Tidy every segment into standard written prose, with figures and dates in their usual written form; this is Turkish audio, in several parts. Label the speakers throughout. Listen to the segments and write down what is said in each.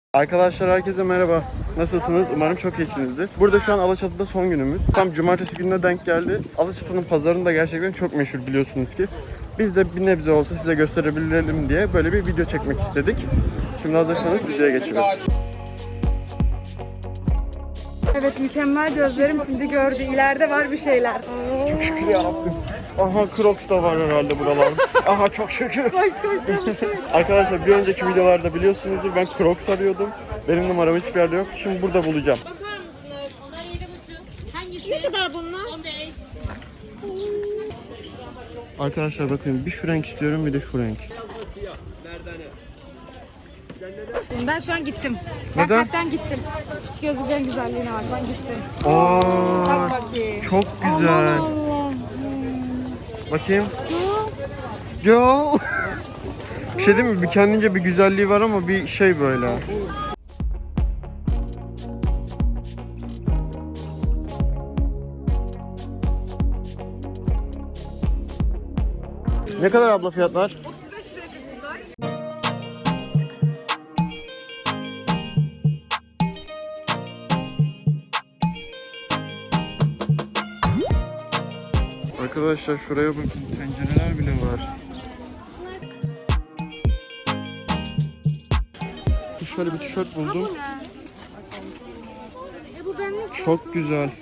Speaker 1: Arkadaşlar herkese merhaba. Nasılsınız? Umarım çok iyisinizdir. Burada şu an Alaçatı'da son günümüz. Tam cumartesi gününe denk geldi. Alaçatı'nın pazarını da gerçekten çok meşhur biliyorsunuz ki. Biz de bir nebze olsa size gösterebilelim diye böyle bir video çekmek istedik. Şimdi hazırsanız videoya geçiyoruz.
Speaker 2: Evet, mükemmel gözlerim şimdi gördü. İleride var bir şeyler.
Speaker 1: Çok şükür yarabbim. Aha Crocs da var herhalde buralarda. Aha çok şükür.
Speaker 2: Koş koş.
Speaker 1: Arkadaşlar bir önceki videolarda biliyorsunuzdur ben Crocs arıyordum. Benim numaram hiçbir yerde yok. Şimdi burada bulacağım.
Speaker 3: Bakar mısınız? Onlar 7,5. Hangisi? Ne kadar bunlar? 15.
Speaker 1: Arkadaşlar bakın bir şu renk istiyorum bir de şu renk.
Speaker 2: Ben şu an gittim.
Speaker 1: Neden?
Speaker 2: Hakikaten gittim. Hiç gözüklerin güzelliğine bak. Ben gittim.
Speaker 1: Aa,
Speaker 2: Bak bakayım.
Speaker 1: çok güzel.
Speaker 2: Allah.
Speaker 1: Bakayım. Yo. Bir şey değil mi? Bir kendince bir güzelliği var ama bir şey böyle. Ne kadar abla fiyatlar?
Speaker 2: 35 liraya kızlar.
Speaker 1: Arkadaşlar şuraya bakın. Tencereler bile var. Şöyle bir tişört buldum.
Speaker 2: Bu benlik.
Speaker 1: Çok güzel.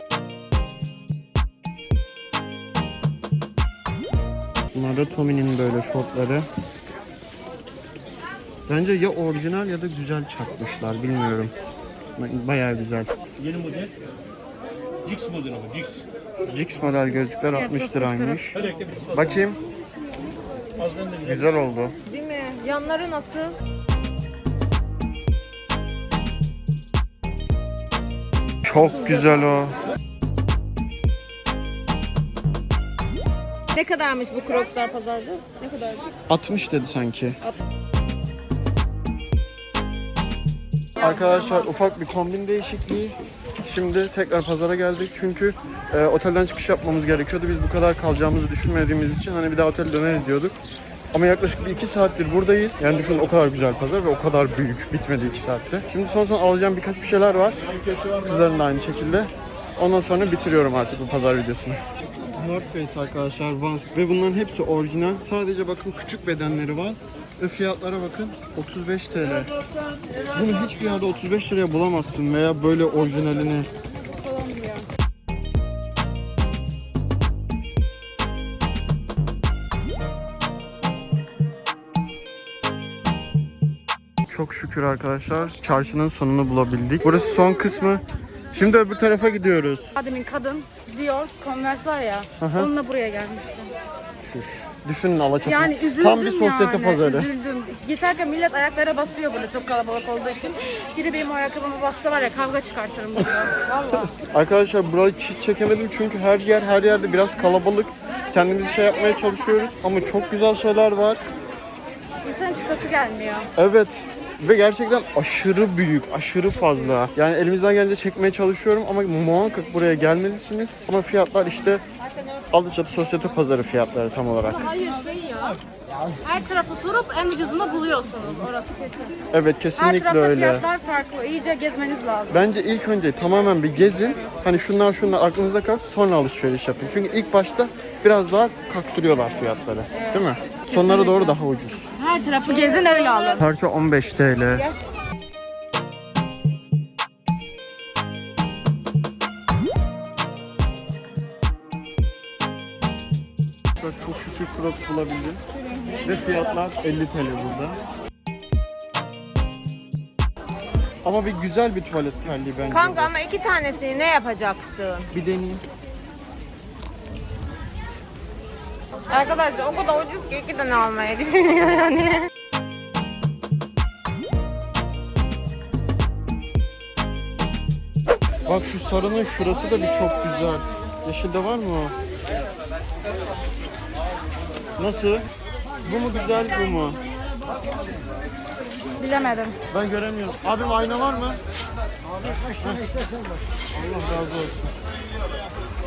Speaker 1: Bunlar da Tommy'nin böyle şortları. Bence ya orijinal ya da güzel çakmışlar. Bilmiyorum. Bayağı güzel.
Speaker 4: Yeni model. Jix modeli bu, Jix.
Speaker 1: Jix model gözlükler 60 liraymış.
Speaker 4: Özellikle bir
Speaker 1: Bakayım.
Speaker 4: azdan da bile.
Speaker 1: Güzel oldu.
Speaker 2: Değil mi? Yanları nasıl?
Speaker 1: Çok güzel o.
Speaker 2: Ne kadarmış bu Crocs'lar pazarda? Ne kadar?
Speaker 1: 60 dedi sanki. Arkadaşlar ufak bir kombin değişikliği. Şimdi tekrar pazara geldik çünkü otelden çıkış yapmamız gerekiyordu. Biz bu kadar kalacağımızı düşünmediğimiz için hani bir daha otele döneriz diyorduk. Ama yaklaşık bir 2 saattir buradayız. Yani düşünün o kadar güzel pazar ve o kadar büyük. Bitmedi 2 saatte. Şimdi son alacağım birkaç bir şeyler var. Kızların da aynı şekilde. Ondan sonra bitiriyorum artık bu pazar videosunu. North Face arkadaşlar Vans ve bunların hepsi orijinal. Sadece bakın küçük bedenleri var. Ve fiyatlara bakın 35 TL. Bunu hiçbir yerde 35 liraya bulamazsın veya böyle orijinalini. Çok şükür arkadaşlar çarşının sonunu bulabildik. Burası son kısmı. Şimdi öbür tarafa gidiyoruz.
Speaker 2: Demin kadın Dior, Converse var ya.
Speaker 1: Aha.
Speaker 2: Onunla buraya gelmişti.
Speaker 1: Şuş. Düşünün Alaçatı.
Speaker 2: Yani üzüldüm
Speaker 1: Tam bir sosyete
Speaker 2: yani.
Speaker 1: pazarı.
Speaker 2: Üzüldüm. Geçerken millet ayaklara basıyor böyle çok kalabalık olduğu için. Biri benim ayakkabıma bassa var ya kavga çıkartırım burada. Valla.
Speaker 1: Arkadaşlar burayı hiç çekemedim çünkü her yerde biraz kalabalık. Kendimizi şey yapmaya çalışıyoruz ama çok güzel şeyler var.
Speaker 2: İnsanın çıkası gelmiyor.
Speaker 1: Evet. Ve gerçekten aşırı büyük, aşırı fazla. Yani elimizden gelince çekmeye çalışıyorum ama muhakkak buraya gelmelisiniz. Ama fiyatlar işte Alaçatı Sosyete Pazarı fiyatları tam olarak.
Speaker 2: Hayır şey ya. Her tarafı sorup en ucuzunu buluyorsunuz. Orası kesin.
Speaker 1: Evet
Speaker 2: Her
Speaker 1: kesinlikle
Speaker 2: tarafta
Speaker 1: öyle.
Speaker 2: fiyatlar farklı. İyice gezmeniz lazım.
Speaker 1: Bence ilk önce tamamen bir gezin. Hani şunlar aklınızda kalsın sonra alışveriş yapın. Çünkü ilk başta biraz daha kaktırıyorlar fiyatları. Değil mi? Sonlara doğru daha ucuz.
Speaker 2: Her tarafı gezin öyle alın.
Speaker 1: Parça 15 TL. Çok şükür Crocs bulabildim. Ve fiyatlar 50 TL burada. Ama bir güzel bir tuvalet terliği bence.
Speaker 3: Kanka ama 2 tanesini ne yapacaksın?
Speaker 1: Bir deneyeyim.
Speaker 3: Arkadaşlar o kadar ucuz ki 2 tane almayı düşünüyor yani.
Speaker 1: Bak şu sarının şurası da bir çok güzel. Yeşilde var mı o? Nasıl? Bu mu güzel bu mu?
Speaker 2: Bilemedim.
Speaker 1: Ben göremiyorum. Abim ayna var mı? Abi kaç tane istersen var. Allah razı olsun.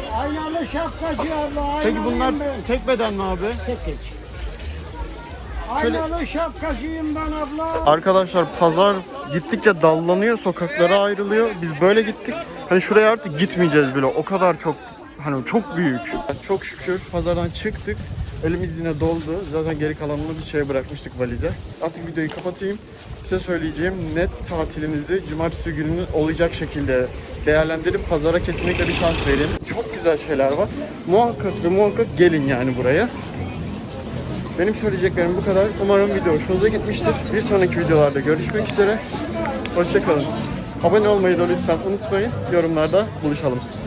Speaker 5: Aynalı şapkacı abla.
Speaker 1: Peki bunlar tek beden mi abi?
Speaker 5: Tek tek. Aynalı şapkacıyım ben abla.
Speaker 1: Arkadaşlar pazar gittikçe dallanıyor, sokaklara ayrılıyor. Biz böyle gittik. Hani şuraya artık gitmeyeceğiz bile. O kadar çok, hani çok büyük. Çok şükür pazardan çıktık. Elimiz yine doldu. Zaten geri kalanını bir şeye bırakmıştık, valize. Artık videoyu kapatayım. Size söyleyeceğim, net tatilinizi cumartesi günü olacak şekilde değerlendirip pazara kesinlikle bir şans verin. Çok güzel şeyler var. Muhakkak ve muhakkak gelin yani buraya. Benim söyleyeceklerim bu kadar. Umarım video hoşunuza gitmiştir. Bir sonraki videolarda görüşmek üzere. Hoşça kalın. Abone olmayı da lütfen unutmayın. Yorumlarda buluşalım.